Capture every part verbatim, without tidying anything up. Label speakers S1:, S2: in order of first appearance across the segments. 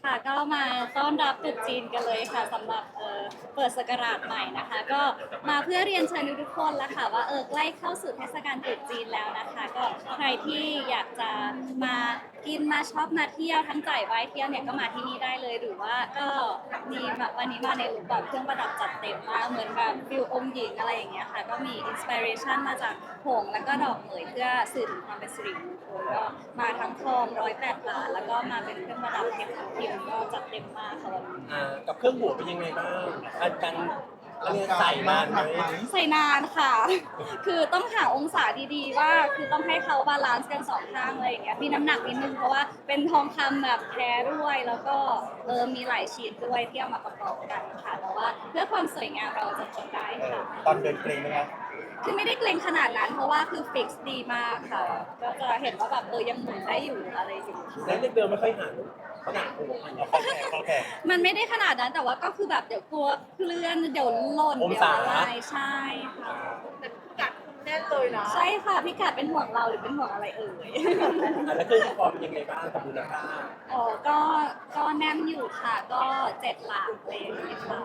S1: ค่ะก็มาต้อนรับตรุษจีนกันเลยค่ะสำหรับเอ่อเปิดศักราชใหม่นะคะ ก็มาเพื่อเรียนเชิญทุกๆคนแล้วค่ะว่าเออใกล้เข้าสู่เทศกาลตรุษจีนแล้วนะคะก็ใครที่อยากจะมากินมาช็อปมาเที่ยวทั้งจ่ายไว้เที่ยวเนี่ยก็มาที่นี่ได้เลยหรือว่าก็มีแบบวันนี้มาในรูปแบบเครื่องประดับจัดเต็มมากเหมือนแบบฟิลองค์หญิงอะไรอย่างเงี้ยค่ะก็มีอินสปิเรชันมาจากผงแล้วก็ดอกเหมยเพื่อสื่อถึงความเป็นสิริมงคลก็มาทั้งทองร้อยแปดบาทแล้วก็มาเป็นเครื่องประดับเพชรทับทิมก็จัดเต็มมากค่ะวันนี้
S2: อ่ากับเครื่องหัวเป็นยังไงบ้างการการเรียนใส่นานไหม
S1: ใส่นานค่ะ คือต้องหาองศาดีๆว่าคือต้องให้เขาบาลานซ์กันสองข้างอะไรอย่างเงี้ยมีน้ำหนักนิดนึงเพราะว่าเป็นทองคำแบบแท้ด้วยแล้วก็เออมีหลายชิ้นด้วยที่เอามาประกอบกันค่ะแต่ว่าเพื่อความสวยงามเราจะทำได้ค่ะ
S3: ตอนเดินเกรงไหมครับ
S1: คือไม่ได้เกรงขนาดนั้นเพราะว่าคือฟิกซ์ดีมากค่ะ ก็จะเห็นว่าแบบเออยังหมุนได้อยู่อะไรอยู่
S2: แล้วเด็กเบลไม่ค่อยหันเขาหนักหัวหัน
S3: เอาเข้าแขกเข้าแขก
S1: มันไม่ได้ขนาดนั้นแต่ว่าก็คือแบบเดี๋ยวกลัวเคลื่อนเดี๋ยวหล่น
S2: อง
S1: เดี๋ยว
S2: ศา
S1: อะไรใช่ค่ะ
S4: แต่พิกัดแน่นเลยนะ
S1: ใช่ค่ะพี่กัดเป็นห่วงเราหรือเป็นห่วงอะไรเอ่ย
S2: อ่ะแล้วเครื่องที่พอเป็นยังไงบ้างกับมูลค่า
S1: อ๋อก็ก็แน่นอยู่ค่ะ ก็เจ็ดหลักเลยค่ะ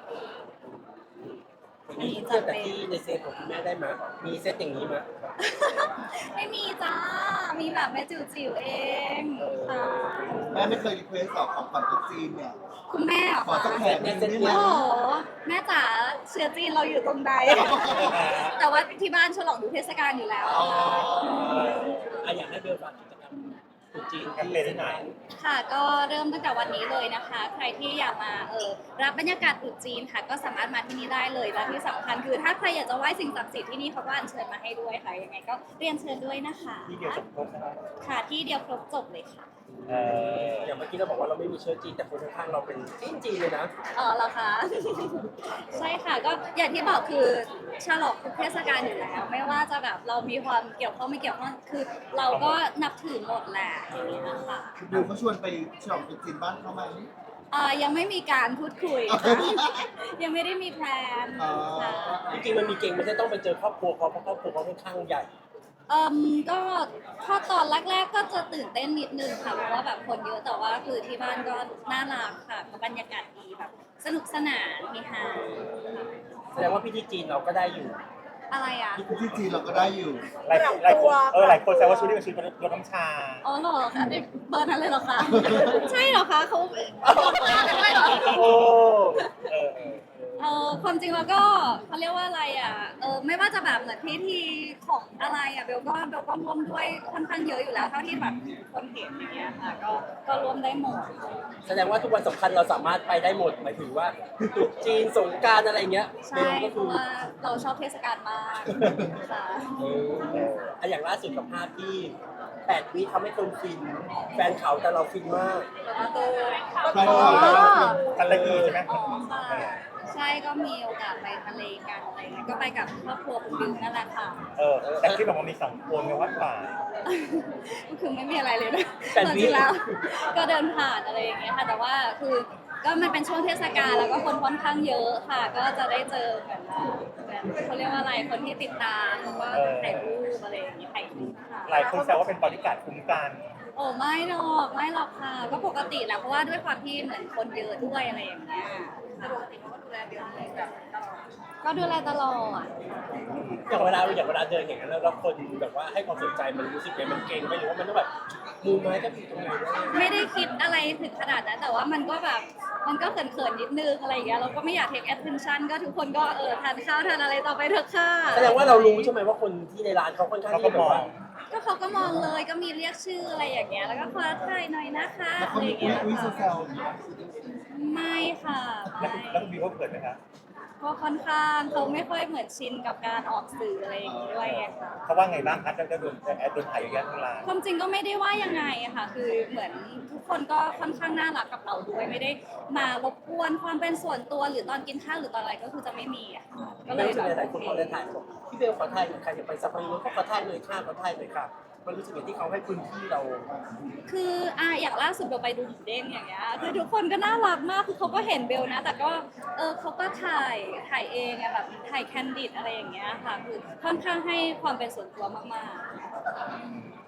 S2: มีเทียบกับที่ในเซตของคุณแม่ได้ไหมมีเซตอย่างนี้ไหม
S1: ไม่มีจ้า มีแบบแม่จิ๋วจิ๋วๆเองค่ะ
S5: แม่ไม่เคยรีเควสหรอกของขวัญตุ๊กจีนเนี่ย
S1: คุณแม่เหรอ
S5: ขอ
S1: คะ
S5: สักแผงหนึงได้ไหม
S1: โอ้โหแม่จ๋าเชื้อจีนเราอยู่ตรงใด แต่ว่าที่บ้านฉลองดูเทศกาลอยู่แล้ว
S5: อ๋อ
S2: อ่ะอยากให้เบลฝากกิจกรรมตรุษจีน
S3: แคมเปญที่ไหน
S1: ค่ะก็เริ่มตั้งแต่วันนี้เลยนะคะ ใครที่อยากมาเออรับบรรยากาศตรุษจีนค่ะ ก็สามารถมาที่นี่ได้เลยและที่สำคัญคือถ้าใครอยากจะไหว้สิ่งศักดิ์สิทธิ์ที่นี่เขาก็อัญเชิญมาให้ด้วยค่ะยังไงก็เรียนเชิญด้วยนะคะ
S3: ที่เดียวจบครบนะครับ
S1: ค่ะที่เดียวครบจบเลยค่ะ
S3: เออ
S2: อย่างเมื่อกี้เราบอกว่าเราไม่มีเชื้อจีนแต่คนข้างๆเราเป็นจีนจีนเลยนะ
S1: เออเหรอคะ ใช่ค่ะก็อย่างที่บอกคือฉลองทุกเทศกาลอยู่แล้ว ไม่ว่าจะแบบเรามีความเกี่ยวข้องไม่เกี่ยวข้องคือเราก็นับถือหมดแหละอย่างนี้นะคะ
S5: บิวเขาชวนไปฉลองตุ๊กจีนบ้านเขาไหม
S1: เอ่อยังไม่มีการพูดคุยค่ะ ยังไม่ได้มีแพลน
S5: อ๋อ
S1: ค่ะ
S2: จริงๆมันมีเก่งไม่ใช่ต้องไปเจอครอบครัวเขาเพราะครอบครัวเขาค่อนข้างใหญ่
S1: เอ่มก็ถ้าตอนแรกๆก็จะตื่นเต้นนิดนึงค่ะเพราะว่าแบบคนเยอะแต่ว่าคือที่บ้านก็น่ารักค่ะบรรยากาศดีแบบสนุกสนานมีฮา
S2: แสดงว่าพิธีจีนเราก็ได้อยู่
S1: อะไรอ่ะ
S5: ที่จีนเราก็ได้อยู่
S3: หลายหลายคนเออหลายคนแซวว่าชุดนี้เป็นชุดรดน้ำชา
S1: อ๋อเหรอคะเด็กเบอร์นั้นเลยเหรอคะ ใช่เหรอคะเขาไม่เหรอ
S3: โอ้เออเออ
S1: เออความจริงแล้วก็เขาเรียกว่าอะไรอ่ะเออไม่ว่าจะแบบเหมือนพิธีของอะไรอ่ะเบลก็เบลก็ร่วมด้วยค่อนข้างเยอะอยู่แล้วเท่าที่แบบคนเห็นอย่างเงี้ยค่ะก็ก็ร่วมได้หมด
S2: แสดงว่าทุกวันสำคัญเราสามารถไปได้หมดหมายถึงว่าตรุษจีนสงกรารอะไรเงี้ย
S1: ใช่
S2: ก็
S1: เพ
S2: คือ
S1: ราะว่าเราชอบเทศกาลมากค่ะ
S2: เอออ่ะอย่างล่าสุดกับภาพที่แปดวิทำให้คนฟิน แฟนเขาแต่เราฟินมาก
S1: แล้วก็ตัว
S5: แฟนเขาแต่เราฟิน
S3: กันละกีใช่ไหม
S1: อ๋อค่ะใช่ก็มีโอกาสไปทะเลกันอะไรเงี้ยก็ไปกับครอบครัวคุณบิวนั่นแหละค่ะ
S3: เออแต่ที่บอกว่ามีสองคนในวัดป่า
S1: ก็คือไม่มีอะไรเลยนะ
S2: แต่
S1: จ
S2: นี่
S1: ริงๆแล้ว ก็เดินผ่านอะไรอย่างเงี้ยค่ะ แต่ว่าคือก็มันเป็นช่วงเทศกาลแล้วก็คนค่อนข้างเยอะค่ะ ก็จะได้เจอเหมือนเหมือนเขาเรียกว่าอะไรคนที่ติดตามแล้วก็ถ่ายรูปอะไรอย่างเงี้ยถ่ายคลิปค่ะ
S3: หลายคนแซวว่าเป็นบริการดคุ้มกัน
S1: โอ้ไม่หรอกไม่หรอกค่ะ ก็ปกติแหละเพราะว่าด้วยความที่เหมือนคนเยอะด้วยอะไรอย่างเงี้ยปกติเขาก็ดูแลเบลแบบตลอดก็ดูแลตลอด
S2: อย่างเวลาอย่างเวลาเดินอย่างนั้นแล้วแล้วคนแบบว่าให้ความสนใจมันรู้สึกไงมันเก่งไหมหรือว่ามันต้องแบบมูไม้ก็ผิดตรงไหนวะ
S1: ไม่ได้คิดอะไรถึงขนาดนั้นแต่ว่ามันก็แบบมันก็เขินๆนิดนึงอะไรอย่างเงี้ยเราก็ไม่อยาก take attention ก็ทุกคนก็เออทานข้าวทานอะไรต่อไปเถอะค่ะ
S2: แสดงว่าเรารู้ใช่ไหมว่าคนที่ในร้านเขาค่อนข้าง
S3: เขา
S2: ที่
S3: ก็
S2: จะแบ
S3: ม
S2: บ
S3: อง
S2: ว่า
S1: ก็เขาก็มองเลยก็มีเรียกชื่ออะไรอย่างเงี้ยแล้วก็ขอถ่ายหน่อยนะคะ
S5: แล้ว
S1: อะ
S5: เขา
S1: ไรอ
S5: มี
S1: ย่าง
S5: อุ้ย
S1: เงี้ย
S5: อุ้ยแซวๆอย่างเงี้ย
S1: ไม่ค่ะ
S3: แล้ว
S1: ไม่
S3: แล้วคุณบิวเขาเกิดไหมครับ
S1: ก็ค่อนข้างเขาไม่ค่อยเหมือนชินกับการออกสื่ออะไรอย่างงี้ด้วยไงค่ะ
S3: เขาว่าไงบ้างครับจะโดนแอดโดนถ่ายเยอะแยะทั้งร้าน
S1: ความจริงก็ไม่ได้ว่ายังไงอะค่ะ คือเหมือนทุกคนก็ค่อนข้างน่ารักกับเราด้วยไม่ได้มารบกวนความเป็นส่วนตัวหรือตอนกินข้าวหรือตอนอะไรก็คือจะไม่มีอะค่ะก็เล
S2: แล้ว
S1: ย
S2: รู้สึ
S1: แบ
S2: ก
S1: บ
S2: ไงหลายคนเขาเลยถ่ายบอกพี่เบลขอถ่ายหน่อยใครจะไปสักพักนึงก็ขอถ่ายหน่อยค่ะขอถ่ายหน่อยค่ะมันรู้สึกอย่างที่เขาให้พื้นที่เรา
S1: คืออ่ะอย่างล่าสุดเบลไปดูหมูเด้งอย่างเงี้ยคือทุกคนก็น่ารักมากคือเขาก็เห็นเบลนะ แต่ก็เออเขาก็ถ่ายถ่ายเองอะแบบถ่ายแคนดิดอะไรอย่างเงี้ยค่ะคือค่อนข้างให้ความเป็นส่วนตัวมากๆ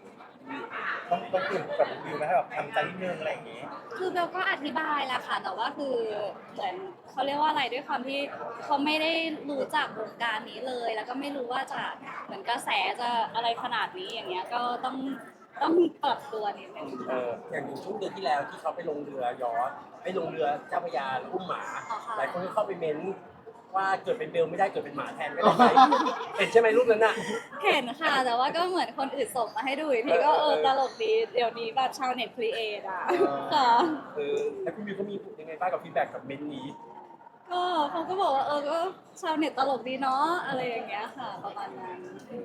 S3: ต้องต้องตื่นกับวิวไหมให้แบบทำใจนิดนึงอะไรอย่างงี้
S1: คือเบลก็อธิบายแหละค่ะแต่ว่าคือเหมือนเขาเรียกว่าอะไรด้วยความที่เขาไม่ได้รู้จักวงการนี้เลย แล้วก็ไม่รู้ว่าจะเหมือนกระแสจะอะไรขนาดนี้อย่างเงี้ยก็ต้องต้องปรับตัวนิดนึง
S3: เออ
S2: อย่างช่วงเดือนที่แล้วที่เขาไปลงเรือยอชต์ไปลงเรือเจ้าพระยาแล้วอุ้มหมา
S1: อ๋อค่ะ
S2: หลายคนก็เข้าไปเม้นว่าเกิดเป็นเบลไม่ได้เกิดเป็นหมาแทนก็ได้ไหมเห็นใช่ไหมรูปนั้นน่ะ
S1: เห็นค่ะแต่ว่าก็เหมือนคนอื่นส่งมาให้ดูอีกทีก็เออตลกดีเดี๋ยวนี้แบบชาวเน็ตครีเอทอ่ะค่ะ
S2: เออแล้วคุณมิวเขามียังไงบ้างกับฟีดแบ็กกับเม้นต์นี้
S1: ก็เขาก็บอกว่าเออก็ชาวเน็ตตลกดีเนาะอะไรอย่างเงี้ยค่ะ ประมาณนั้น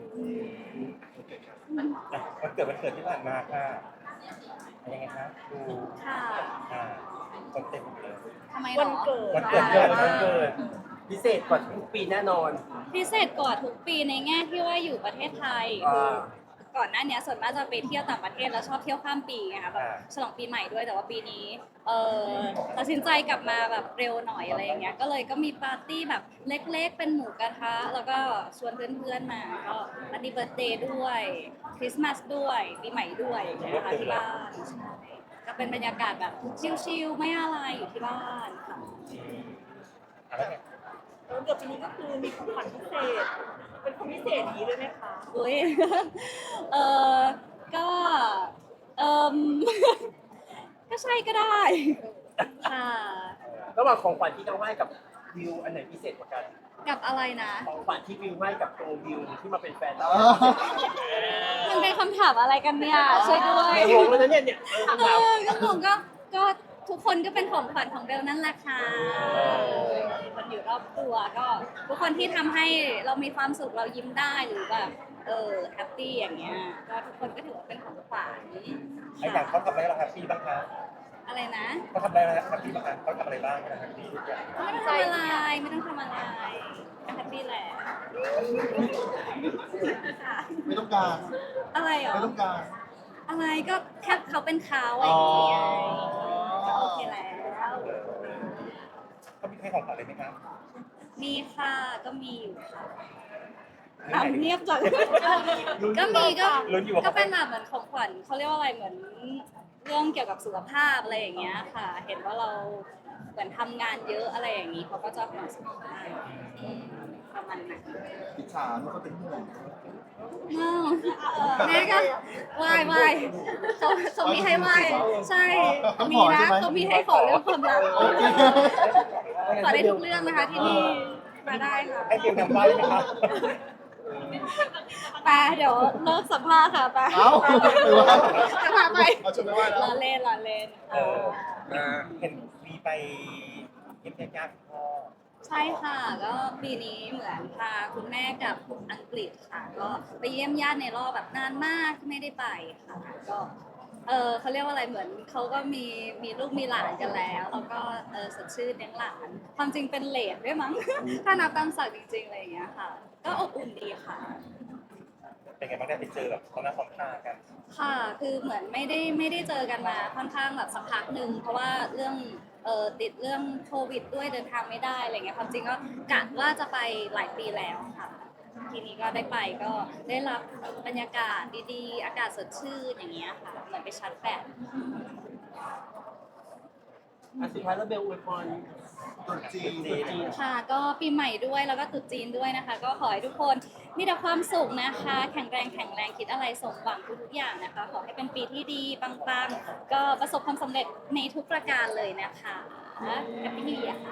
S3: อ่ะวันเกิดวันเกิดที่ผ่านมาค่ะเป็นยังไงคะดู
S1: ค่ะ
S3: อ่าคนเต็มเลย
S1: ทำไมหร
S4: วัน
S1: อ
S4: เกิด
S3: วันเกิดเกิดวันเกิด
S2: พิเศษกว่าทุกปีแน่นอน
S1: พิเศษกว่าทุกปีในแง่ที่ว่าอยู่ประเทศไทย
S2: อ่า
S1: ก่อนหน้านี้ส่วนมากจะไปเที่ยวต่างประเทศแล้วชอบเที่ยวข้ามปีไงคะแบบ
S3: อ่า
S1: ฉลองปีใหม่ด้วยแต่ว่าปีนี้เออตัดสินใจกลับมาแบบเร็วหน่อยอะไรอย่างเงี้ยก็เลยก็มีปาร์ตี้แบบเล็กๆ เป็นหมูกระทะแล้วก็ชวนเพื่อนๆมาก็ปาร์ตี้เบิร์ธเดย์ด้วยคริสต์มาสด้วยปีใหม่ด้วยอย่างเงี้ยค่ะที่บ้านใช่ก็เป็นบรรยากาศแบบชิลๆไม่อะไรอยู่ที่บ้านค่ะ
S3: อะไรเนี่ย
S4: วันเกิดปีนี้ก็คือมีของขวัญพิเศษ เป็นคนพิเศษอย่างนี้เลยไหมคะ
S1: อุ้ย เออก็เอม ก็ใช่ก็ได้ ค่ะ
S2: ระหว่างของขวัญที่เขาให้กับวิวอันไหนพิเศษกว่ากัน
S1: กับอะไรนะ
S2: ของขวัญที่วิวให้กับตัววิวที่มาเป็นแฟนเรา
S1: มันเป็นคำถามอะไรกันเนี่ยช่วยด้วย
S2: งงแล้วนะเนี่ยเนี่ยเออ
S1: เอ
S2: คำถาม
S1: อก็ผมก็ก็ทุกคนก็เป็นของขวัญของเบลนั่นแหละค่ะคนอยู่รอบตัวก็ทุกคนที่ทำให้เรามีความสุขเรายิ้มได้หรือแบบเออแฮปปี้อย่างเงี้ยก็ทุกคนก็ถือว่าเป็นของขวัญ
S3: ไอ้อย่างเขาทำอะไรเราแฮปปี้บ้างคะ
S1: อะไรนะ
S3: เขาทำอะไรเราแฮปปี้บ้างคะเขาทำอะไรบ้างเราแฮปปี้ทุกอย่าง
S1: ไม่ต้องทำอะไรไม่ต้องทำอะไรก็แฮปปี้แหละค่ะ
S5: ไม่ต้องการ
S1: อะไรเหรอ
S5: ไม่ต้องการ
S1: อะไรก็แค่เขาเป็นเขาอะไรอย่างเงี้ยก็โอเคแล้ว
S3: เขามีให้ของขวัญอะไรไหมคะ
S1: มีค่ะก็มีอยู่ค่ะถามเงียบจังก็มีก็
S3: ลุ้นอยู่ว่า
S1: ก็
S3: เขา
S1: เป็นแบบเหมือนของขวัญเขาเรียกว่าอะไรเหมือนเรื่องเกี่ยวกับสุขภาพอะไรอย่างเงี้ยค่ะ เห็นว่าเราเหมือนทำงานเยอะอะไรอย่างนี้เขาก็จะห่วงสุขภาพอืมประมาณนั้น
S5: อิจฉาเมื่อเขาเป็นห่วง
S1: อ้าวแม่ก็ไหว้ไหว้เขาเขามีให้ไหว้ใช่มีนะเขามีให้ขอเรื่องความรัก
S5: โอเค
S1: ขอได้ทุกเรื่องนะคะที่นี่มาได้ค่ะ
S3: ให้ฟิลนำได้ไหมคะ
S1: ไปเดี๋ยวเลิกสัมภาษณ์ค่ะไป
S5: เอ้าหรือว่า
S1: จะพาไป
S5: เอาชุดไปไหว้แล้ว
S1: ล้อเล่นล้อเล่น
S3: เออเห็นมีไปเยี่ยมญาติพ่อ
S1: ใช่ค่ะก็ปีนี้เหมือนพาคุณแม่กับอังกฤษค่ะ ก็ไปเยี่ยมญาติในรอบแบบนานมากที่ไม่ได้ไปค่ะก็เออเขาเรียกว่าอะไรเหมือนเขาก็มีมีลูกมีหลานกันแล้ว แล้วก็เออสดชื่นเลี้ยงหลาน ความจริงเป็นเหลนด้วยมั้ง ถ้านับตามศักดิ์จริงๆอะไรอย่างเงี้ยค่ะ ก็อบอุ่นดีค่ะ
S3: เป็นไงบ้างได้ไปเจอแบบเขาหน้าความตากัน
S1: ค่ะ คือเหมือนไม่ได้ไม่ได้เจอกันมาค่อนข้างแบบสักพักหนึ่งเพราะว่าเรื่องเอ่อติดเรื่องโควิดด้วยเดินทางไม่ได้อะไรเงี้ยความจริงก็กะว่าจะไปหลายปีแล้วค่ะ ทีนี้ก็ได้ไปก็ได้รับบรรยากาศดีๆ อากาศสดชื่นอย่างเงี้ยค่ะเหมือนไปชาร์จแบต
S2: อ่ะสุดท้ายแล้วเบลอวยพร
S5: ตรุ๊จีน
S2: ตุ๊จีน
S1: ค่ะก็ปีใหม่ด้วยแล้วก็ตรุษจีนด้วยนะคะ ก็ขอให้ทุกคนมีแต่ความสุขนะคะ แข็งแรงแข็งแรงคิดอะไรสมหวังทุกๆอย่างนะคะ ขอให้เป็นปีที่ดีปังๆก็ประสบความสำเร็จในทุกประการเลยนะคะแฮปปี้อะค่ะ